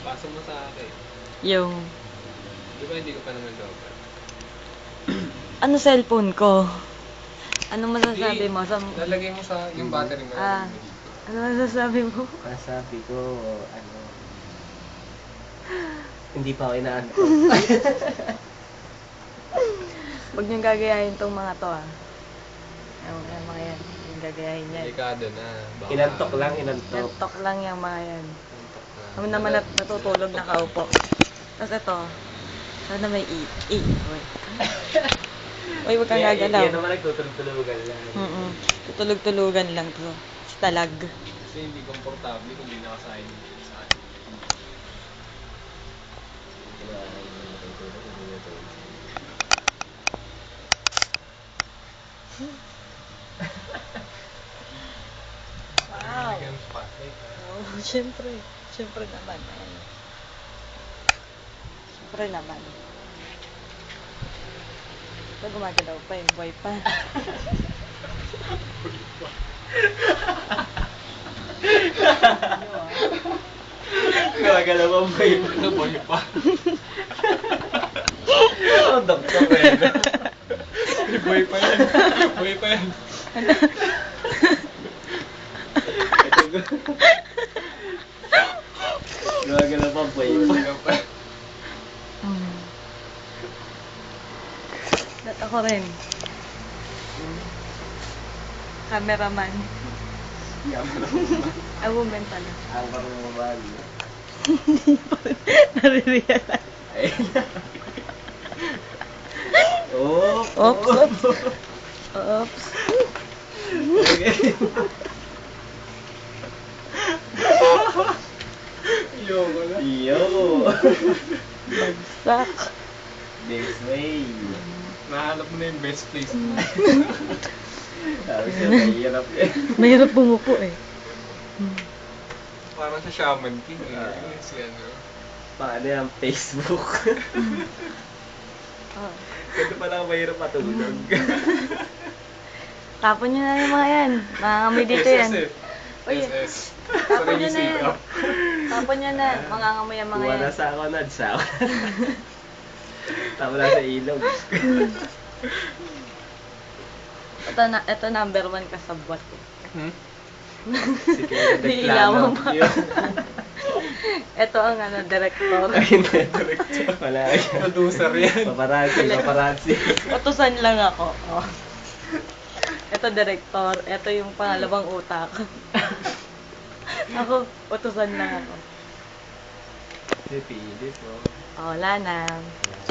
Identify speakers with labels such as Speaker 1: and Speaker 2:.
Speaker 1: Pasa mo sa akin.
Speaker 2: Yung...
Speaker 1: Di ba hindi ko pa naman lover?
Speaker 2: Ano cellphone ko? Ano masasabi mo sa...
Speaker 1: Lalagay mo sa yung battery mo.
Speaker 2: Ah, ano masasabi mo?
Speaker 3: Masasabi ko, ano... Hindi pa ako inaantok.
Speaker 2: Huwag niyong gagayahin tong mga to, ah. Yung mga yan. Yung gagayahin yan.
Speaker 1: Delikado na. Baka...
Speaker 3: Inantok lang, inantok.
Speaker 2: Nantok lang yung mga yan.
Speaker 1: Inantok na.
Speaker 2: Kami naman natutulog nakaupo. Tapos ito, sana may E. Uy, huwag kang gagalaw.
Speaker 3: Yan naman nagtutulog-tulugan lang.
Speaker 2: Tutulog-tulugan lang to. Talag.
Speaker 1: Kasi hindi komportable kung hindi nakasahin dito sa akin.
Speaker 2: Wow.
Speaker 1: Bigyan ng spotlight, ha?
Speaker 2: Oh, syempre. Syempre naman. Ayan. Syempre naman. Ito gumagalaw pa yung boy pa.
Speaker 3: Gagalaw ang boy.
Speaker 1: Ano boy pa?
Speaker 3: Oh, doktor ko yun.
Speaker 1: Boy pa yan. Boy pa yan.
Speaker 3: Gagalaw ang boy.
Speaker 1: Gagalaw pa.
Speaker 2: At ako rin. Cameraman. A woman pala.
Speaker 3: Ang parang mabag.
Speaker 2: Hindi pa rin nare-realize.
Speaker 3: Oh!
Speaker 2: Oops. Oops.
Speaker 1: Iyoko na.
Speaker 3: Iyo!
Speaker 2: Bagsak.
Speaker 3: This way.
Speaker 1: Nahanap mo na yung best place.
Speaker 3: Sabi siya, mahirap eh.
Speaker 2: Mahirap bumuko eh.
Speaker 1: Parang sa Shaman King eh. Si ano.
Speaker 3: Paano yung Facebook?
Speaker 2: Oh.
Speaker 3: Ganito pala mahirap matulog.
Speaker 2: Tapon nyo na yung mga yan. Mangangamoy dito yan. Uy,
Speaker 1: SS.
Speaker 2: tapon nyo na yan.
Speaker 1: Sarili
Speaker 2: Tapon nyo na. Mangangamoy ang mga yan.
Speaker 3: Wala sa ako na, sa ako. Tama na sa ilog.
Speaker 2: Ito number 1 kasabwat ko.
Speaker 1: Hmm?
Speaker 3: Si Kuya
Speaker 2: Iilawan
Speaker 3: Declano.
Speaker 2: pa. Ito ang director.
Speaker 3: Ay, hindi. Wala yan.
Speaker 1: Producer yan.
Speaker 3: Paparazzi.
Speaker 2: Utusan lang ako. Oh. Ito director. Ito yung pangalawang utak. Ako, utusan lang ako.
Speaker 3: Hindi, pilit po.
Speaker 2: Oh, wala na.